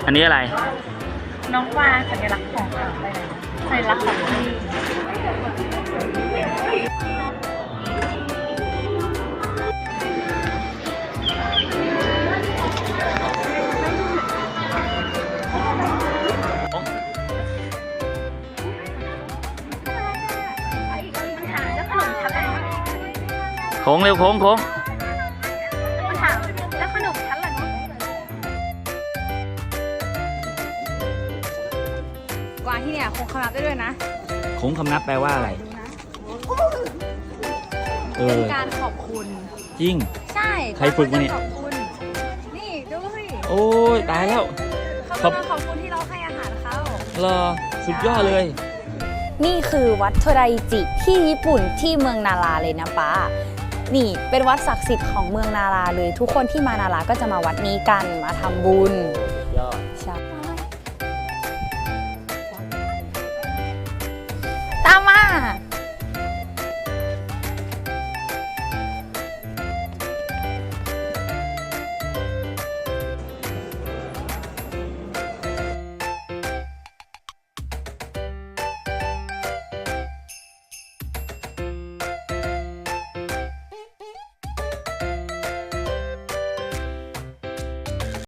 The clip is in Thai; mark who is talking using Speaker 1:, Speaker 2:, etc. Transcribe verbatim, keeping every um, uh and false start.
Speaker 1: อันนี้อะไร
Speaker 2: น้องวาสัญลักษณ์ของอะไรนะสัญลักษณ์ของที่
Speaker 1: โค้งเร็วโค้งโค้ง
Speaker 2: มันถามแล้วขนมชั้นล่ะเนาะกวางที่เนี่ยคงคำนับได้ด้วยนะ
Speaker 1: โค้งคำนับแปลว่าอะไรเอ
Speaker 2: เป็น
Speaker 1: อ
Speaker 2: การขอบคุณ
Speaker 1: จริง
Speaker 2: ใช่
Speaker 1: ใครฝึกมาเนี่ย
Speaker 2: ขอบคุณนี่ดูสิ
Speaker 1: โอ้ยตายแล้ว
Speaker 2: เขากำลังขอบคุณที่เราให้อาหารเขา
Speaker 1: รอสุดยอดเลย
Speaker 3: นี่คือวัดโทไดจิที่ญี่ปุ่นที่เมืองนาราเลยนะป้า นี่เป็นวัดศักดิ์สิทธิ์ของเมืองนาราเลย ทุกคนที่มานาราก็จะมาวัดนี้กันมาทำบุญ
Speaker 1: ยอด
Speaker 3: ใช่ตามมา